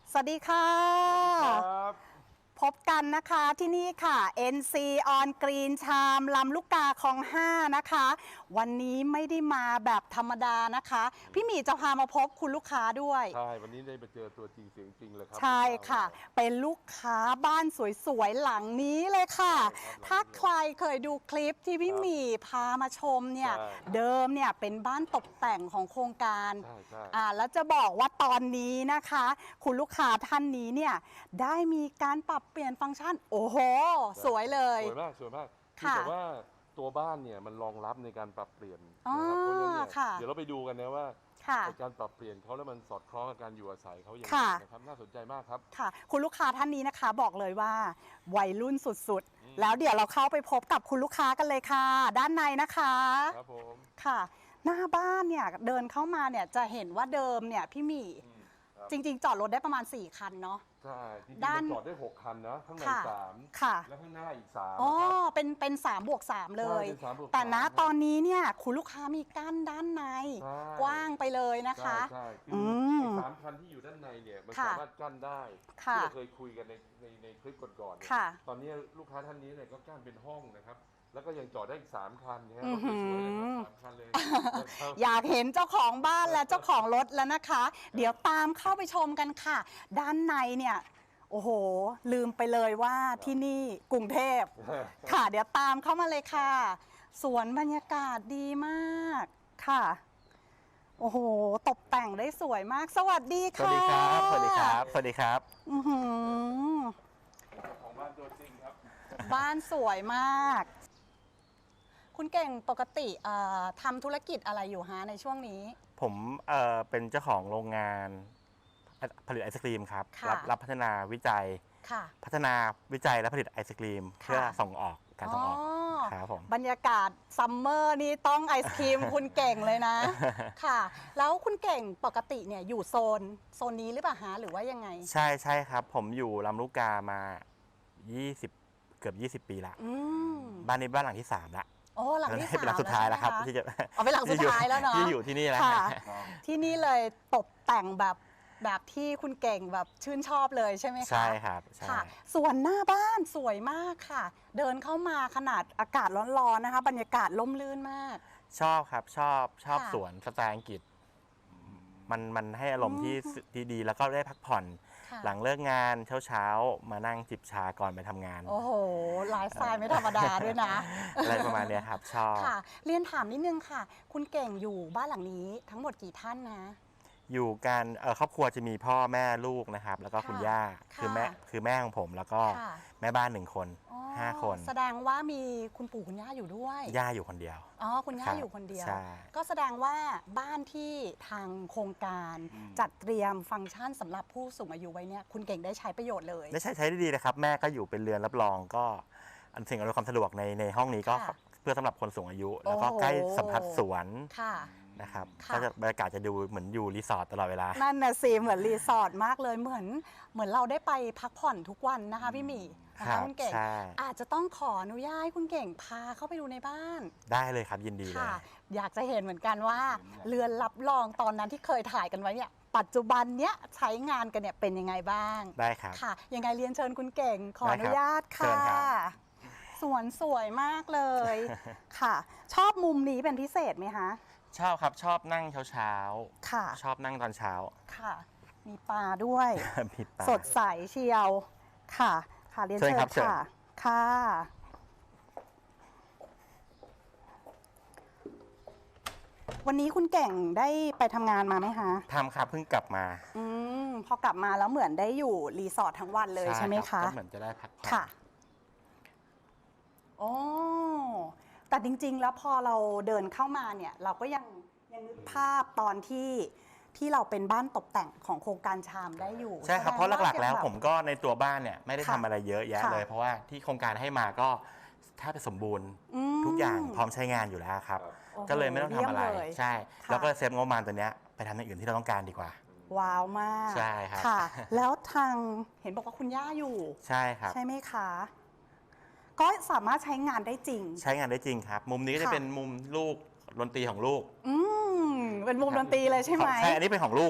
สวัสดีค่ะครับพบกันนะคะที่นี่ค่ะ NC on Green ชามลำลูกกาคลอง 5 นะคะ วันนี้ไม่ได้มาแบบธรรมดานะคะ พี่หมีจะพามาพบคุณลูกค้าด้วยใช่วันนี้ได้มาเจอตัวจริงเสียงจริงเลยครัใช่ค่ะ เป็นลูกค้าบ้านสวยๆหลังนี้เลยค่ะ ถ้าใครเคยดูคลิปที่พี่หมีพามาชมเนี่ยเดิมเนี่ยเป็นบ้านตกแต่งของโครงการแล้วจะบอกว่าตอนนี้นะคะ คุณลูกค้าท่านนี้เนี่ยได้มีการปรับเปลี่ยนฟังก์ชันโอ้โหสวยเลยสวยมากสวยมากแต่ว่าตัวบ้านเนี่ยมันรองรับในการปรับเปลี่ยนนะครับเพราะฉะนั้นเนี่ยเดี๋ยวเราไปดูกันนะว่าการปรับเปลี่ยนเขาแล้วมันสอดคล้องกับการอยู่อาศัยเขาอย่างไรนะครับน่าสนใจมากครับค่ะคุณลูกค้าท่านนี้นะคะบอกเลยว่าวัยรุ่นสุดๆแล้วเดี๋ยวเราเข้าไปพบกับคุณลูกค้ากันเลยค่ะด้านในนะคะครับผมค่ะหน้าบ้านเนี่ยเดินเข้ามาเนี่ยจะเห็นว่าเดิมเนี่ยพี่หมีจริงๆจอดรถได้ประมาณ4 คันเนาะใช่จริงๆมันจอดได้6 คันนะข้างใน3 ค่ะแล้วข้างหน้าอีก3 อ๋อเป็น3+3เลยแต่ณตอนนี้เนี่ยคุณลูกค้ามีกั้นด้านในกว้างไปเลยนะคะใช่คือ3 คันที่อยู่ด้านในเนี่ยมันสามารถกั้นได้ที่เราเคยคุยกันในคลิปก่อนๆตอนนี้ลูกค้าท่านนี้เนี่ยก็กั้นเป็นห้องนะครับแล้วก็ยังจอดได้อีก3 คันเนี่ยสวยๆเลยครับ3 คันเลยอยากเห็นเจ้าของบ้านและเจ้าของรถแล้วนะคะ เดี๋ยวตามเข้าไปชมกันค่ะด้านในเนี่ยโอ้โหลืมไปเลยว่าที่นี่กรุงเทพค่ะเดี๋ยวตามเข้ามาเลยค่ะสวนบรรยากาศดีมากค่ะโอ้โหตกแต่งได้สวยมากสวัสดีค่ะสวัสดีครับสวัสดีครับสวัสดีครับของบ้านตัวจริงครับบ้านสวยมากคุณเก่งปกติทำธุรกิจอะไรอยู่ฮะในช่วงนี้ผมเป็นเจ้าของโรงงานผลิตไอศกรีมครับรับพัฒนาวิจัยพัฒนาวิจัยและผลิตไอศกรีมเพื่อส่งออกการส่งออกครับผมบรรยากาศซัมเมอร์นี่ต้องไอศครีม คุณเก่งเลยนะค่ะแล้วคุณเก่งปกติเนี่ยอยู่โซนนี้หรือเปล่าฮะหรือว่ายังไงใช่ครับผมอยู่ลำลูกกามาเกือบ20 ปีละบ้านนี้บ้านหลังที่3ละโอ้หลังที่3 เป็นหลังสุดท้ายแล้วครับที่จะเป็นหลังสุดท้ายแล้วเนาะที่อยู่ที่นี่แล้วที่นี่เลยตกแต่งแบบที่คุณเก่งแบบชื่นชอบเลยใช่ไหมคะใช่ครับค่ะส่วนหน้าบ้านสวยมากค่ะเดินเข้ามาขนาดอากาศร้อนๆนะคะบรรยากาศร่มรื่นมากชอบครับชอบสวนสไตล์อังกฤษมันให้อารมณ์ที่ดีแล้วก็ได้พักผ่อนหลังเลิกงานเช้ามานั่งจิบชาก่อนไปทำงานโอ้โหไลฟ์สไตล์ไม่ธรรมดาด้วยนะอะไรประมาณนี้ครับชอบค่ะเรียนถามนิดนึงค่ะคุณเก่งอยู่บ้านหลังนี้ทั้งหมดกี่ท่านนะอยู่กันครอบครัวจะมีพ่อแม่ลูกนะครับแล้วก็คุณย่าคือแม่ของผมแล้วก็แม่บ้าน1 คน5 คนแสดงว่ามีคุณปู่คุณย่าอยู่ด้วยย่าอยู่คนเดียวอ๋อคุณย่าอยู่คนเดียวก็แสดงว่าบ้านที่ทางโครงการจัดเตรียมฟังก์ชันสำหรับผู้สูงอายุไว้เนี่ยคุณเก่งได้ใช้ประโยชน์เลยได้ใช้ได้ดีเลยครับแม่ก็อยู่เป็นเรือนรับรองก็สิ่งอำนวยความสะดวกในห้องนี้ก็เพื่อสำหรับคนสูงอายุแล้วก็ใกล้สัมผัสสวนนะครับก็จะบรรยากาศจะดูเหมือนอยู่รีสอร์ทตลอดเวลานั่นน่ะสิเหมือนรีสอร์ทมากเลยเหมือนเราได้ไปพักผ่อนทุกวันนะคะพี่หมีนะคะคุณเก่งอาจจะต้องขออนุญาตคุณเก่งพาเข้าไปดูในบ้านได้เลยครับยินดีเลยอยากจะเห็นเหมือนกันว่าเรือนรับรองตอนนั้นที่เคยถ่ายกันไว้เนี่ยปัจจุบันเนี้ยใช้งานกันเนี่ยเป็นยังไงบ้างได้ครับค่ะยังไงเรียนเชิญคุณเก่งขออนุญาตค่ะสวนสวยมากเลยค่ะชอบมุมนี้เป็นพิเศษไหมคะชอบครับชอบนั่งเช้าค่ะชอบนั่งตอนเช้าค่ะมีปลาด้วยมีปลาสดใสเชียวค่ะค่ะเรียนเชิญค่ะค่ะวันนี้คุณเก่งได้ไปทำงานมาไหมคะทำครับเพิ่งกลับมาพอกลับมาแล้วเหมือนได้อยู่รีสอร์ททั้งวันเลยใช่ไหมคะก็เหมือนจะได้พักผ่อนค่ะโอ้แต่จริงๆแล้วพอเราเดินเข้ามาเนี่ยเราก็ยังนึกภาพตอนที่เราเป็นบ้านตกแต่งของโครงการชามได้อยู่ใช่ครับเพราะหลักๆแล้วผมก็ในตัวบ้านเนี่ยไม่ได้ทำอะไรเยอะแยะเลยเพราะว่าที่โครงการให้มาก็แทบจะสมบูรณ์ทุกอย่างพร้อมใช้งานอยู่แล้วครับก็เลยไม่ต้องทำอะไรใช่แล้วก็เซฟงบประมาณตัวเนี้ยไปทำอย่างอื่นที่เราต้องการดีกว่าว้าวมากใช่ครับค่ะแล้วทางเห็นบอกว่าคุณย่าอยู่ใช่ครับใช่ไหมคะก็สามารถใช้งานได้จริงใช้งานได้จริงครับมุมนี้ก็จะเป็นมุมลูกดนตรีของลูกเป็นมุมดนตรีเลยใช่ไหมใช่อันนี้เป็นของลูกครับ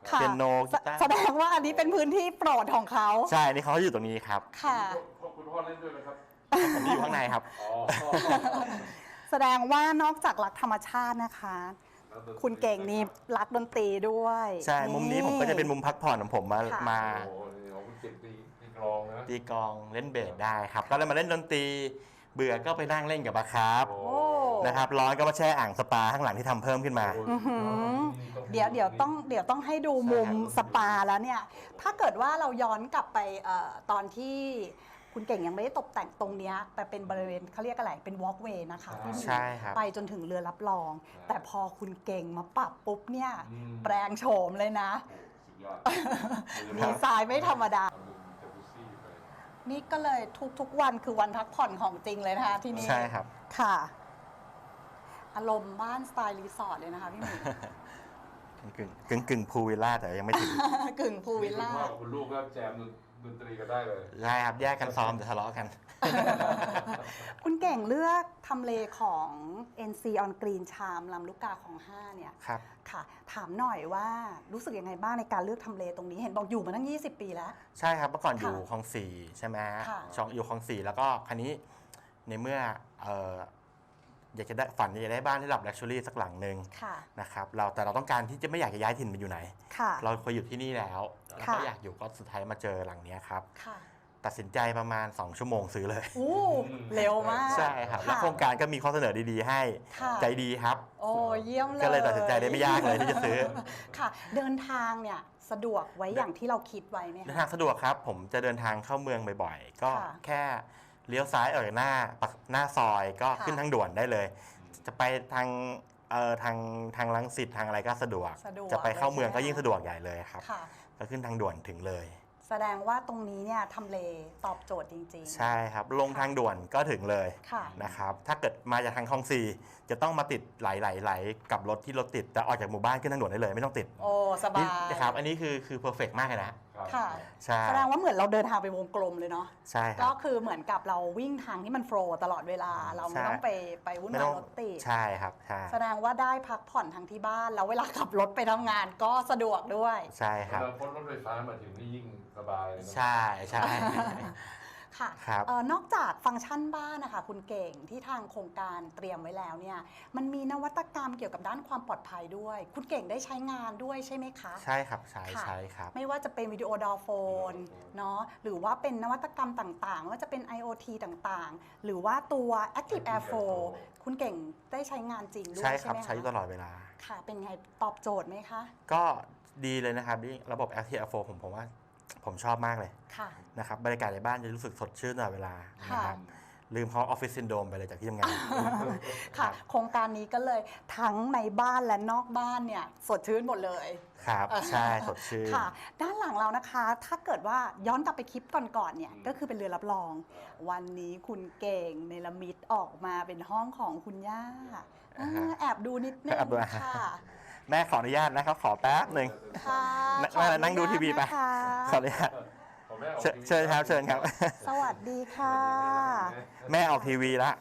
ค่ะเปียโนกีตาร์แสดงว่าอันนี้เป็นพื้นที่โปรดของเขาใช่ นี่เขาอยู่ตรงนี้ครับค่ะคุณพ่อเล่นด้วยไหมครับผมอยู่ข้างในครับอ๋อแสดงว่านอกจากรักธรรมชาตินะคะ คุณเก่งนี่รักดนตรีด้วยใช่ มุมนี้ผมก็จะเป็นมุมพักผ่อนของผมมาค่ะมาโอ้โหนี่ของคุณเก่งตีกลองนะตีกลองเล่นเบสได้ครับ ก็เลยมาเล่นดนตรี เบื่อก็ไปนั่งเล่นกับปลาครับโอ้โอ้นะครับ ร้อนก็มาแช่อ่างสปาข้างหลังที่ทำเพิ่มขึ้นมาเดี๋ยวต้องให้ดูมุมสปาแล้วเนี่ย ถ้าเกิดว่าเราย้อนกลับไปตอนที่คุณเก่งยังไม่ได้ตกแต่งตรงเนี้ยแต่เป็นบริเวณเขาเรียกอะไรเป็นวอล์กเวย์นะคะที่มีใช่ครับไปจนถึงเรือรับรอง แต่พอคุณเก่งมาปรับปุ๊บเนี่ยอืมแปลงโฉมเลยนะสุดยอดดีไซน์ไม่ธรรมดาทำเป็นจักรุซี่ไปนี่ก็เลยทุกวันคือวันพักผ่อนของจริงเลยนะคะที่นี่ใช่ครับค่ะ อารมณ์บ้านสไตล์รีสอร์ทเลยนะคะพี่หมีกึ่งพูลวิลล่าแต่ยังไม่ถึงกึ่งพูลวิลล่าคุณพ่อกับคุณลูกก็แจมดนตรีกันได้เลยใช่ครับ แยกกันซ้อมแต่ทะเลาะกันคุณเก่งเลือกทำเลของ NC on Green ชามลำลูกกาของ5เนี่ยครับค่ะ ถามหน่อยว่ารู้สึกยังไงบ้างในการเลือกทำเลตรงนี้ เห็นบอกอยู่มาตั้ง 20 ปีแล้วใช่ครับ เมื่อก่อนอยู่ค่ะคลองสี่ใช่ไหมค่ะอยู่คลองสี่แล้วก็คันนี้ในเมื่ออยากจะได้ฝันอยากจะได้บ้านที่ระดับ luxury สักหลังหนึ่งค่ะนะครับแต่เราต้องการที่จะไม่อยากจะย้ายถิ่นไปอยู่ไหนค่ะเราเคยอยู่ที่นี่แล้วแล้วก็ค่ะอยากอยู่ก็สุดท้ายมาเจอหลังเนี้ยครับค่ะตัดสินใจประมาณ 2 ชั่วโมงซื้อเลยอู้เร็วมากใช่ครับะแล้วโครงการก็มีข้อเสนอดีๆให้ค่ะใจดีครับโอ้เยี่ยมเลยก็เลยตัดสินใจได้ไม่ยากเลยที่จะซื้อค่ะ เดินทางเนี่ยสะดวกไว้อย่างที่เราคิดไว้ไหมเดินคะทางสะดวกครับ ผมจะเดินทางเข้าเมืองบ่อยๆ ก็ค่ะแค่เลี้ยวซ้ายออกจากหน้าซอยก็ค่ะขึ้นทางด่วนได้เลย จะไปทางทางรังสิตทางอะไรก็สะดวกสะดวกจะไปเข้าเมืองเลยก็ใช่ไหมยิ่งสะดวกใหญ่เลยครับค่ะก็ขึ้นทางด่วนถึงเลยแสดงว่าตรงนี้เนี่ยทำเลตอบโจทย์จริงๆใช่ครับ ลงทางด่วนก็ถึงเลยค่ะนะครับ ถ้าเกิดมาจากทางคลองสี่จะต้องมาติดไหลกับรถที่รถติดแต่ออกจากหมู่บ้านขึ้นทางด่วนได้เลยไม่ต้องติดโอ้สบานี่ยนะครับอันนี้คือเพอร์เฟกมากเลยนะครับค่ะใช่แสดงว่าเหมือนเราเดินทางไปวงกลมเลยเนาะใช่คก็รับคือเหมือนกับเราวิ่งทางที่มันโฟลว์ตลอดเวลา เราไม่ใช่ต้องไปวุ่นไม่วาต้ยองรถติดใช่ครับใช่แสดงว่าได้พักผ่อนทางที่บ้าน แล้วเวลาขับรถไปทำงานก็สะดวกด้วยใช่ครับแล้วพ้นรถไฟฟ้ามาถึงนี่ยิ่งสบายเลยนะใช่ใช่ค่ะครับนอกจากฟังก์ชันบ้านนะคะคุณเก่งที่ทางโครงการเตรียมไว้แล้วเนี่ยมันมีนวัตกรรมเกี่ยวกับด้านความปลอดภัยด้วย คุณเก่งได้ใช้งานด้วยใช่ไหมคะใช่ครับใช่ค่ะใช่ครับไม่ว่าจะเป็นวิดีโอดอลโฟนเนาะหรือว่าเป็นนวัตกรรมต่างๆ ว่าจะเป็น IoT ต่างๆ หรือว่าตัว Active Air Flow คุณเก่งได้ใช้งานจริงด้วยใช่คใช่รับไหมใช้อยู่ตคะลอดเวลาค่ะ เป็นไงตอบโจทย์ไหมคะก็ดีเลยนะครับที่ระบบ Active Air Flow ผมว่าผมชอบมากเลยค่ะนะครับบรรยากาศในบ้านจะรู้สึกสดชื่นตลอดเวลาค่ะนะครับลืมเขาออฟฟิศซินโดรมไปเลยจากที่ทำงานค่ะ โครงการนี้ก็เลยทั้งในบ้านและนอกบ้านเนี่ยสดชื่นหมดเลยครับใช่สดชื่นค่ะ ด้านหลังเรานะคะ ถ้าเกิดว่าย้อนกลับไปคลิปก่อนๆเนี่ยก็คือเป็นเรือรับรอง วันนี้คุณเก่งเนรมิตออกมาเป็นห้องของคุณย่าแอบดูนิดนึงแอบดูค่ะแม่ขออนุญาตนะครับขอแป๊บหนึ่งค่ะแม่นั่งดูทีวีไปขอขอออนุนุญาญาตตขอแม่ออกเชิญครับเชิญครับสวัสดีค่ะแม่ออกทีวีแล้ว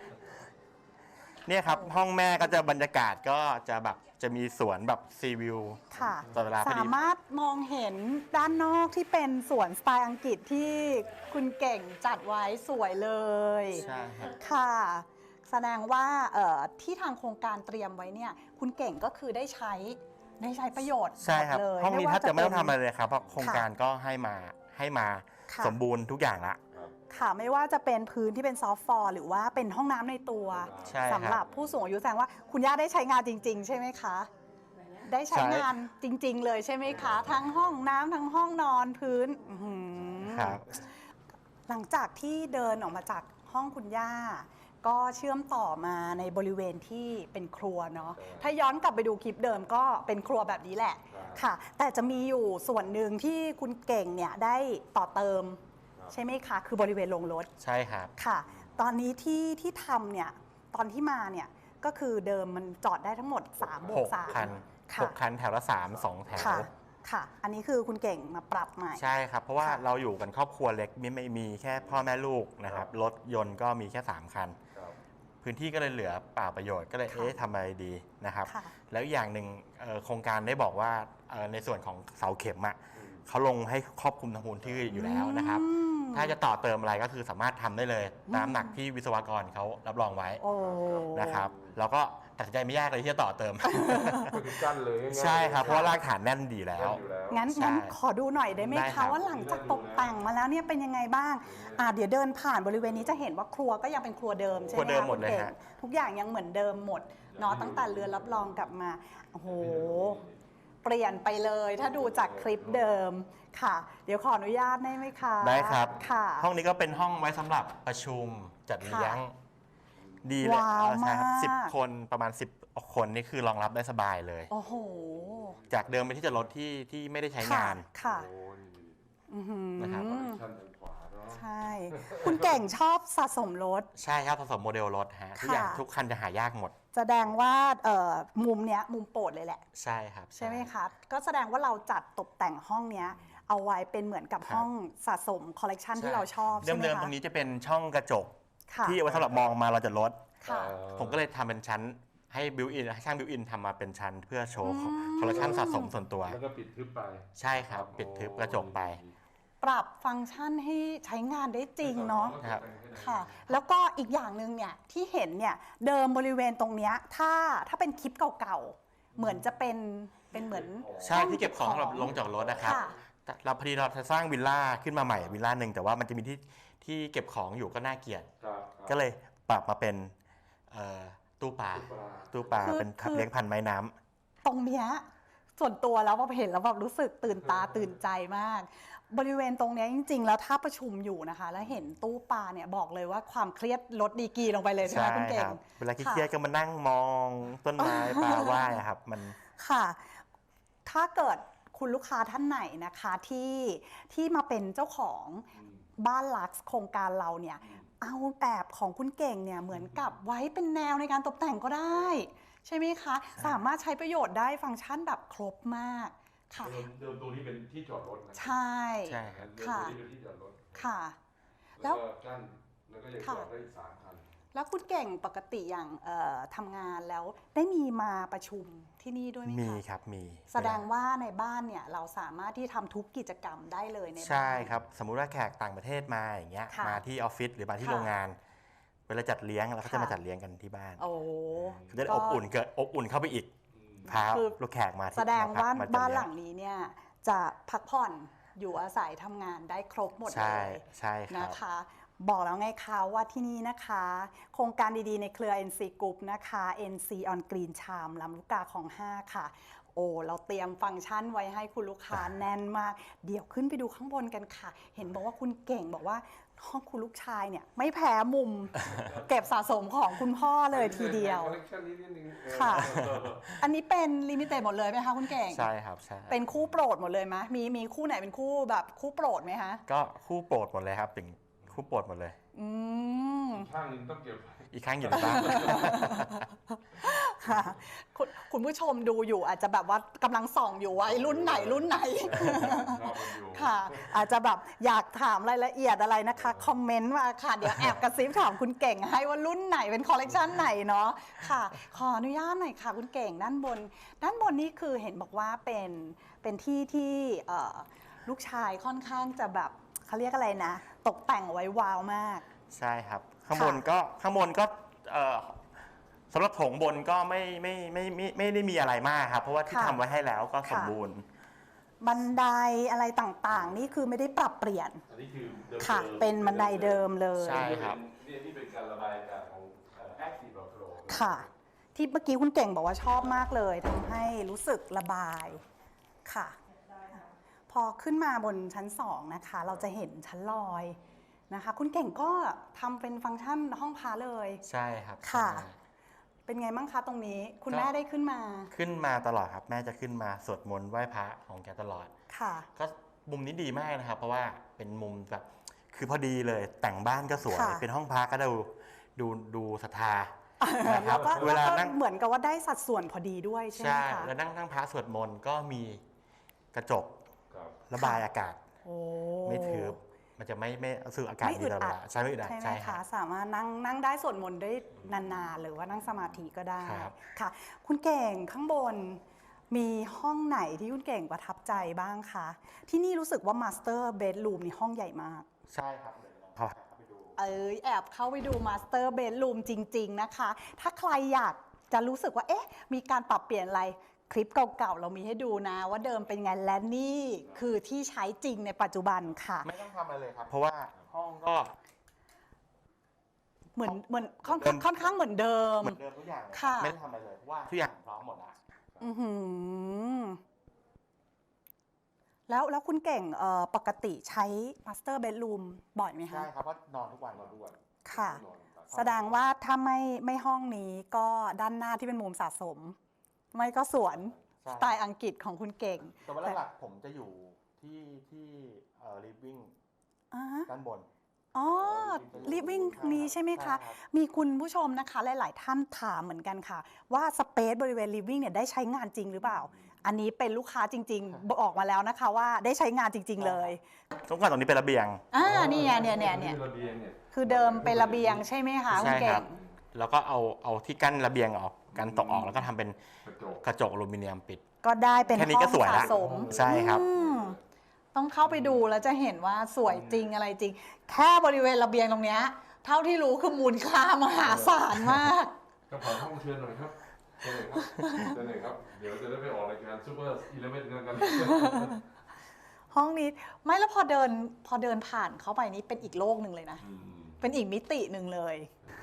เนี่ยครับห้องแม่ก็จะบรรยากาศก็จะแบบจะมีสวนแบบซีวิวค่ะตลอดเวลาพอดีสามารถมองเห็นด้านนอกที่เป็นสวนสไตล์อังกฤษที่คุณเก่งจัดไว้สวยเลยใช่ครับค่ะ แสดงว่าที่ทางโครงการเตรียมไว้เนี่ยคุณเก่งก็คือได้ใช้ประโยชน์ใช่ครับหมดเลยห้องนี้ว่าถ้าจะไม่ต้องเป็นทำอะไรเลยครับเพราะโครงการก็ให้มาค่ะสมบูรณ์ทุกอย่างละค่ะไม่ว่าจะเป็นพื้นที่เป็นซอฟต์ฟลอร์หรือว่าเป็นห้องน้ำในตัวใช่ครับสำหรับผู้สูงอายุแสดงว่าคุณย่าได้ใช้งานจริง ๆ ใช่ไหมคะ ได้ใช้ใช่งานจริง ๆ เลยใช่ไหมคะ ทั้งห้องน้ำทั้งห้องนอนพื้นอื้อหือครับหลังจากที่เดินออกมาจากห้องคุณย่า ก็เชื่อมต่อมาในบริเวณที่เป็นครัวเนาะถ้าย้อนกลับไปดูคลิปเดิมก็เป็นครัวแบบนี้แหละค่ะ แต่จะมีอยู่ส่วนหนึ่งที่คุณเก่งเนี่ยได้ต่อเติมใช่ไหมคะ คือบริเวณโรงรถใช่ครับค่ะ ตอนนี้ที่ทำเนี่ยตอนที่มาเนี่ยก็คือเดิมมันจอดได้ทั้งหมด3บวก 6 คัน 3ค่ะ 6 คันแถวละ3 2 แถวค่ะค่ะ อันนี้คือคุณเก่งมาปรับใหม่ใช่ครับ เพราะว่าค่ะเราอยู่กันครอบครัวเล็กไม่มีแค่พ่อแม่ลูกนะครับ รถยนต์ก็มีแค่ 3 คันครับพื้นที่ก็เลยเหลือเปล่าประโยชน์ก็เลยทำอะไรดีนะครับค่ะแล้วอย่างหนึ่งโครงการได้บอกว่าในส่วนของเสาเข็มเขาลงให้ครอบคลุมทั้งพื้นที่อยู่แล้วนะครับ ถ้าจะต่อเติมอะไรก็คือสามารถทำได้เลยตามหนักที่วิศวกรเขารับรองไว้นะครับแล้วก็ตัดสินใจไม่ยากเลยที่จะต่อเติมก็คือกั้นเลยง่ายๆใช่ครับเพราะว่ารากฐานแน่นดีแล้วงั้นขอดูหน่อยได้ไหมได้ครัคะบว่าหลังจากตกแต่งมาแล้วเนี่ยเป็นยังไงบ้างเดี๋ยวเดินผ่านบริเวณนี้จะเห็นว่าครัวก็ยังเป็นครัวเดิมใช่ไหมครัวเดิมคะหมดเลยคุณฮะก่งทุกอย่างยังเหมือนเดิมหมดเนาะตั้งแต่เรือนรับรองกลับมาโอ้โหเปลี่ยนไปเลยถ้าดูจากคลิปเดิมค่ะ เดี๋ยวขออนุญาตได้ไหมคะได้ครับค่ะห้องนี้ก็เป็นห้องไว้สำหรับประชุมจัดเลี้ยงค่ะดีเลยว้าวใช่ครับมาก 10 คนประมาณ10 คนนี่คือรองรับได้สบายเลยโอ้โหจากเดิมเป็นที่จอดรถที่ไม่ได้ใช้งานค่ะโอ้ยอื้อหือนะครับคอนเนคชั่นทางขวาเนาะใช่ คุณเก่งชอบสะสมรถใช่ครับผสมโมเดลรถฮะทุกอย่างค่ะทุกคันจะหายากหมดแสดงว่ามุมเนี้ยมุมโปรดเลยแหละใช่ครับใช่ไหมคะ ก็แสดงว่าเราจัดตกแต่งห้องเนี้ยเอาไว้เป็นเหมือนกับห้องสะสมคอลเลกชันที่เราชอบใช่ไหมเดิมๆคะตรงนี้จะเป็นช่องกระจกค่ะที่เอาไว้สำหรับมองมาเราจะลดค่ะผมก็เลยทำเป็นชั้นให้บิวอินให้ช่างบิวอินทำมาเป็นชั้นเพื่อโชว์คอลเลคชันสะสมส่วนตัวแล้วก็ปิดทึบไปใช่ครับ ปิดทึบกระจกไปปรับฟังก์ชันให้ใช้งานได้จริงเนาะครับค่ะ แล้วก็อีกอย่างหนึ่งเนี่ยที่เห็นเนี่ยเดิมบริเวณตรงเนี้ยถ้าเป็นคลิปเก่าๆเหมือนจะเป็นเหมือนใช่ที่เก็บของสำหรับลงจากรถนะครับค่ะเราพอดีเราจะสร้างวิลล่าขึ้นมาใหม่วิลล่าหนึ่งแต่ว่ามันจะมีที่เก็บของอยู่ก็น่าเกลียดครับก็เลยปรับมาเป็นตู้ปลา ตู้ปลาคือเป็นเลี้ยงพันธุ์ไม้น้ำตรงเนี้ยส่วนตัวแล้วพอเห็นแล้วแบบรู้สึกตื่นตาตื่นใจมาก บริเวณตรงเนี้ยจริง ๆ แล้วถ้าประชุมอยู่นะคะ แล้วเห็นตู้ปลาเนี่ยบอกเลยว่าความเครียดลดดีกรีลงไปเลยใช่ไหมคุณเก่งเวลาเครียดๆก็มานั่งมองต้นไม้ปลาว่ายอะครับมันค่ะ ถ้าเกิดคุณลูกค้าท่านไหนนะคะที่มาเป็นเจ้าของบ้านลักซ์โครงการเราเนี่ยเอาแบบของคุณเก่งเนี่ยเหมือนกับไว้เป็นแนวในการตกแต่งก็ได้ ใช่ไหมคะ สามารถใช้ประโยชน์ได้ฟังก์ชันแบบครบมากค่ะเดิมตรงนี้เป็นที่จอดรถนะใช่ใช่ครับเดิมตรงนี้เป็นที่จอดรถค่ะ แล้แล้ว วก็กั้นแล้วก็ยังจอดได้อีก3 คันแล้วคุณเก่งปกติอย่างทำงานแล้วได้มีมาประชุมที่นี่ด้วยไหมคะมีครับมีแสดงว่าในบ้านเนี่ยเราสามารถที่ทำทุกกิจกรรมได้เลยในบ้านใช่ครับสมมุติว่าแขกต่างประเทศมาอย่างเงี้ยค่ะมาที่ออฟฟิศหรือมาที่ค่ะโรงงาน เวลาจัดเลี้ยงเราก็จะค่ะมาจัดเลี้ยงกันที่บ้านโอ้จะได้อบอุ่นเกิดอบอุ่นเข้าไปอีกพาคือลูกแขกมาที่แสดงว่ามาจัดบ้านเลี้ยหลังนี้เนี่ยจะพักผ่อนอยู่อาศัยทำงานได้ครบหมดเลใช่ยใช่ครับนะคะ บอกแล้วไงคะว่าที่นี่นะคะ โครงการดีๆในเครือ NC Group นะคะ NC on Green Charm ลำลูกกาของ 5 ค่ะ โอ้เราเตรียมฟังก์ชันไว้ให้คุณลูกค้าแน่นมาก เดี๋ยวขึ้นไปดูข้างบนกันค่ะ เห็นบอกว่าคุณเก่งบอกว่าห้องคุณลูกชายเนี่ยไม่แพ้มุม เก็บสะสมของคุณพ่อเลยทีเดียวคอลเลคชันนี้นิดนึงค่ะ อันนี้เป็นลิมิเต็ดหมดเลยไหมคะคุณเก่งใช่ครับใช่เป็นคู่โปรดหมดเลยไหมมีคู่ไหนเป็นคู่แบบคู่โปรดไหมคะก็คู่โปรดหมดเลยครับถึงคู่โปรดหมดเลยอืมข้างหนึงต้องเก็บไว้อีกครั้งอยู่ในบ้านค่ะคุณผู้ชมดูอยู่อาจจะแบบว่ากำลังส่องอยู่ว่าไอ้รุ่นไหนรุ่นไหนชอบมันอยู่ค่ะ อาจจะแบบอยากถามรายละเอียดอะไรนะคะ คอมเมนต์มาค่ะ เดี๋ยวแอบกระซิบถามคุณเก่งให้ว่ารุ่นไหนเป็นคอลเลกชันไหนเนาะค่ะ ขออนุญาตหน่อยค่ะคุณเก่งด้านบนนี่คือเห็นบอกว่าเป็นที่ที่ลูกชายค่อนข้างจะแบบเขาเรียกอะไรนะ ตกแต่งไว้ว้าวมากใช่ครับข้างบนก็สำหรับโถงบนก็ไม่ได้มีอะไรมากครับ เพราะว่าที่ค่ะทำไว้ให้แล้วก็สมค่ะบูรณ์บันไดอะไรต่างๆ นี่คือไม่ได้ปรับเปลี่ยนอันนี้คือเดิมค่ะ เป็นบันไดเดิมเลยใช่ครับนี่เป็นการระบายอากาศของ Active Flow ค่ะ ที่เมื่อกี้คุณเก่งบอกว่าชอบมากเลยทำให้รู้สึกระบายค่ะ พอขึ้นมาบนชั้น 2 นะคะ เราจะเห็นชั้นลอยนะคะ คุณเก่งก็ทำเป็นฟังก์ชันห้องพักเลยใช่ครับค่ะใช่เป็นไงบ้างคะตรงนี้ คุณก็แม่ได้ขึ้นมาขึ้นมาตลอดครับแม่จะขึ้นมาสวดมนต์ไหว้พระของแกตลอดค่ะก็มุมนี้ดีมากนะครับ เพราะว่าเป็นมุมแบบคือพอดีเลยแต่งบ้านก็สวยค่ะเป็นห้องพักก็ดูศรัทธานะคแล้รัวบก็เวลานั่งเหมือนกับว่าได้สัดส่วนพอดีด้วยใช่ไหมใช่คะแล้วนั่งพระสวดมนต์ก็มีกระจกครับระบายอากาศโอ้ไม่ทึบมันจะไม่รู้สึกอากาศดีตลอดเวลาใช่ไม่อึดอัดใช่ไหมใช่คคะรับสามารถนั่งได้สวดมนต์ได้นานๆหรือว่านั่งสมาธิก็ได้ครับค่ะ คุณเก่งข้างบนมีห้องไหนที่คุณเก่งประทับใจบ้างคะที่นี่รู้สึกว่ามาสเตอร์เบดรูมนี่ห้องใหญ่มากใช่ครับเดี๋ยวลองเข้าไปดูแอบเข้าไปดูมาสเตอร์เบดรูมจริงๆนะคะ ถ้าใครอยากจะรู้สึกว่าเอ๊ะมีการปรับเปลี่ยนอะไรคลิปเก่าๆเรามีให้ดูนะ ว่าเดิมเป็นไงและนี่คือที่ใช้จริงในปัจจุบันค่ะไม่ต้องทำอะไรเลยครับ เพราะว่าห้องก็เหมือนค่อนข้างเหมือนเดิมเหมือนเดิมทุกอย่างเลยค่ะไม่ได้ทำอะไรเลยเพราะว่าทุกอย่างพร้อมหมดแล้วอือหือแล้วคุณเก่งปกติใช้มาสเตอร์เบดรูมบ่อยไหมคะใช่ครับเพราะนอนทุกวันนอนด้วยค่ะนอนครับแสดงว่าถ้าไม่ห้องนี้ก็ด้านหน้าที่เป็นมุมสะสม ไม่ก็สวนใช่สไตล์อังกฤษของคุณเก่งแต่ว่าหลักๆผมจะอยู่ที่living อ่าฮะด้านบนอ๋อลิฟวิ่งนี้ใช่ไหมคะใช่ครับมีคุณผู้ชมนะคะ หลาย ๆ ท่านถามเหมือนกันค่ะ ว่าสเปซบริเวณลิฟวิ่งเนี่ยได้ใช้งานจริงหรือเปล่า อันนี้เป็นลูกค้าจริง ๆ บอกมาแล้วนะคะว่าได้ใช้งานจริง ๆ เลยตรงก่อนตรงนี้เป็นระเบียงนี่ไงเนี่ยระเบียงเนี่ยคือเดิมเป็นระเบียงใช่ไหมคะคุณใช่คเก่รังบ แล้วก็เอาที่กั้นระเบียงออกกันตกออกแล้วก็ทำเป็นกระจกกระจกอลูมิเนียมปิดก็ได้เป็นแค่นี้ห้ก็องสวยสะละสมใช่ครับอืมต้องเข้าไปดูแล้วจะเห็นว่าสวยจริงอะไรจริง แค่บริเวณระเบียงตรงเนี้ยเท่าที่รู้คือมูลค่ามหาศาลมากก็ขอห้องเชิญหน่อยครับเชิญเลยครับเชิญเลยครับ เดี๋ยวจะได้ไปออกรายการซูเปอร์อีเลเวนต์กันห้องนี้ไม่แล้วพอเดินผ่านเข้าไปนี่เป็นอีกโลกหนึ่งเลยนะ เป็นอีกมิติหนึ่งเลย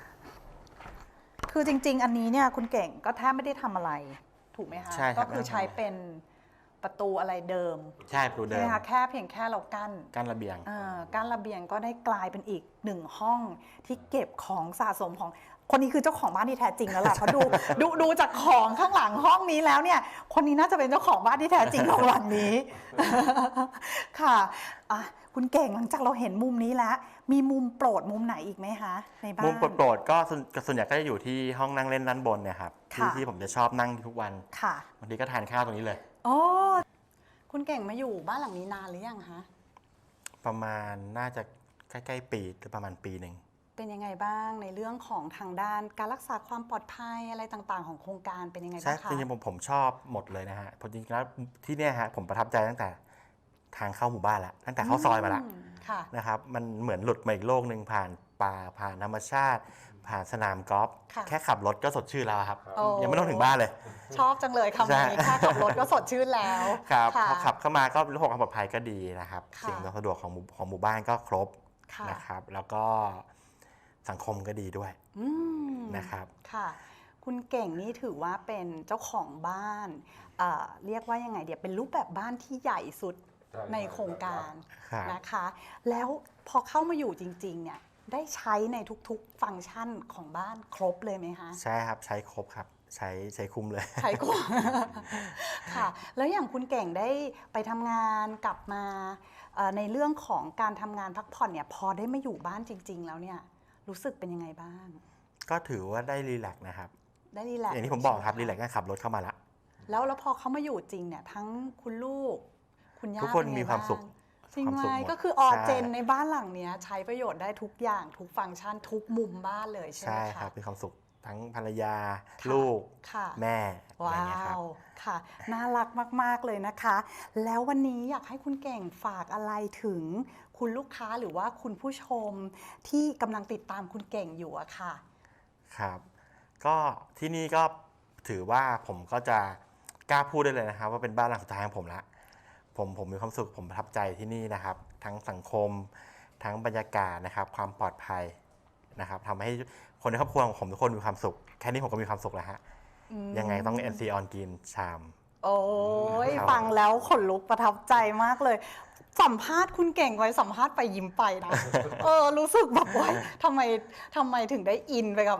คือจริง ๆ อันนี้เนี่ยคุณเก่งก็แทบไม่ได้ทำอะไร ถูกไหมคะใช่ครับก็คือใช้เป็นประตูอะไรเดิมใช่ประตูใช่เดิไหมมคะแค่เพียงแค่เรากั้นกั้นระเบียงกั้นระเบียงก็ได้กลายเป็นอีกหนึ่งห้องที่เก็บของสะสมของคนนี้คือเจ้าของบ้านที่แท้จริงแล้วล่ะเพราะดูจากของข้างหลังห้องนี้แล้วเนี่ยคนนี้น่าจะเป็นเจ้าของบ้านที่แท้จริงของหลังนี้ ค่ะคุณเก่งหลังจากเราเห็นมุมนี้แล้ว มีมุมโปรดมุมไหนอีกไหมคะในบ้านมุมโปรดๆก็ส่วนใหญ่ก็จะอยู่ที่ห้องนั่งเล่นด้านบนเนี่ยครับค่ะที่ผมจะชอบนั่งทุกวันค่ะบางทีก็ทานข้าวตรงนี้เลยโอ้คุณเก่งมาอยู่บ้านหลังนี้นานหรือยังคะประมาณน่าจะใกล้ๆปีหรือประมาณปีหนึ่งเป็นยังไงบ้างในเรื่องของทางด้านการรักษาความปลอดภัยอะไรต่างๆ ของโครงการเป็นยังไงใช่บ้างคะจริงๆผมชอบหมดเลยนะฮะเพราะจริงๆแล้วที่เนี่ยฮะผมประทับใจตั้งแต่ทางเข้าหมู่บ้านละตั้งแต่เข้าซอยมาละค่ะนะครับมันเหมือนหลุดมาอีกโลกหนึ่งผ่านป่าผ่านธรรมชาติ ผ่านสนามกอล์ฟค่ะแค่ขับรถก็สดชื่นแล้วครับโอ้ยังไม่ต้องถึงบ้านเลยชอบจังเลยคำนี้ใช่แค่ขับรถก็สดชื่นแล้วครับค่ะพอขับเข้ามาก็ระบบความปลอดภัยก็ดีนะครับค่ะสิ่งสะดวกของหมู่บ้านก็ครบค่ะนะครับ แล้วก็สังคมก็ดีด้วยอืมนะครับค่ะ คุณเก่งนี่ถือว่าเป็นเจ้าของบ้านเรียกว่ายังไงเดี๋ยวเป็นรูปแบบบ้านที่ใหญ่สุดใช่ในโครงการครับนะคะ แล้วพอเข้ามาอยู่จริงๆเนี่ยได้ใช้ในทุกๆฟังก์ชันของบ้านครบเลยไหมคะใช่ครับใช้ครบครับใช้คุ้มเลยใช้กว่า ค่ะ แล้วอย่างคุณเก่งได้ไปทำงานกลับมาในเรื่องของการทำงานพักผ่อนเนี่ยพอได้มาอยู่บ้านจริง ๆ แล้วเนี่ยรู้สึกเป็นยังไงบ้างก็ถือว่าได้รีแลกซ์นะครับได้รีแลกซ์อย่างที่ผมบอกครับใช่รีไหแลกซ์ก็ขับรถเข้ามาละแล้วพอเขามาอยู่จริงเนี่ยทั้งคุณลูก คุณย่าทุกคนเป็ไงมีความสุขบ้งจริงความไหมสุขหมดก็คือออใช่เจนในบ้านหลังเนี้ยใช้ประโยชน์ได้ทุกอย่างทุกฟังก์ชันทุกมุมบ้านเลยใช่ไหมใช่คะครับมีความสุขทั้งภรรยาค่ะลูกค่ะแม่อะไรว้าเงี้ยครับว ค่ะ น่ารักมาก ๆ เลยนะคะ แล้ววันนี้อยากให้คุณเก่งฝากอะไรถึงคุณลูกค้าหรือว่าคุณผู้ชมที่กำลังติดตามคุณเก่งอยู่อะค่ะครับก็ที่นี่ก็ถือว่าผมก็จะกล้าพูดได้เลยนะครับ ว่าเป็นบ้านหลังสุดท้ายของผมละผมมีความสุขผมประทับใจที่นี่นะครับ ทั้งสังคมทั้งบรรยากาศนะครับ ความปลอดภัยนะครับทำให้คนในครอบครัวของผมทุกคนมีความสุข แค่นี้ผมก็มีความสุขแล้วฮะยังไงต้อง NC on Green ชามโอ้ยครับฟังแล้วขนลุกประทับใจมากเลย สัมภาษณ์คุณเก่งไว้สัมภาษณ์ไปยิ้มไปนะ รู้สึกแบบว่าทำไมถึงได้อินไปกับ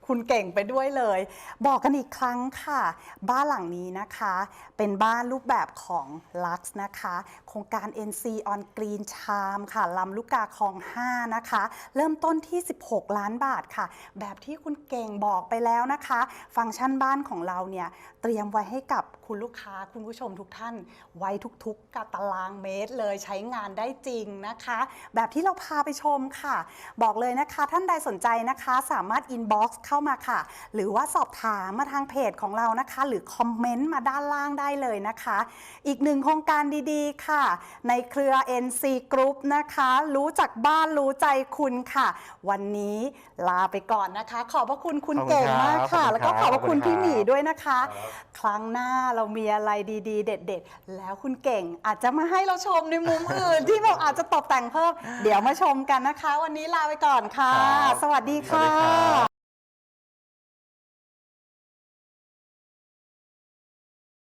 คุณเก่งไปด้วยเลย บอกกันอีกครั้งค่ะ บ้านหลังนี้นะคะ เป็นบ้านรูปแบบของ Lux นะคะ โครงการ NC on Green Charm ค่ะลำลูกกาคลอง 5 นะคะ เริ่มต้นที่ 16 ล้านบาทค่ะ แบบที่คุณเก่งบอกไปแล้วนะคะ ฟังก์ชันบ้านของเราเนี่ย เตรียมไว้ให้กับคุณลูกค้าคุณผู้ชมทุกท่าน ไว้ทุกๆกับตารางเมตรเลยใช้งานได้จริงนะคะ แบบที่เราพาไปชมค่ะ บอกเลยนะคะท่านใดสนใจนะคะสามารถ inbox เข้ามาค่ะ หรือว่าสอบถามมาทางเพจของเรานะคะ หรือคอมเมนต์มาด้านล่างได้เลยนะคะ อีกหนึ่งโครงการดีๆค่ะ ในเครือ NC Group นะคะ รู้จักบ้านรู้ใจคุณค่ะ วันนี้ลาไปก่อนนะคะ ขอบพระคุณคุณเก่งมากค่ะ แล้วก็ขอบพระคุณพี่หมีด้วยนะคะ ครั้งหน้าเรามีอะไรดีๆ เด็ดๆ แล้วคุณเก่งอาจจะมาให้เราชมในมุมอื่น ที่แบบอาจจะตกแต่งเพิ่ม เดี๋ยวมาชมกันนะคะ วันนี้ลาไปก่อนค่ะ สวัสดีค่ะ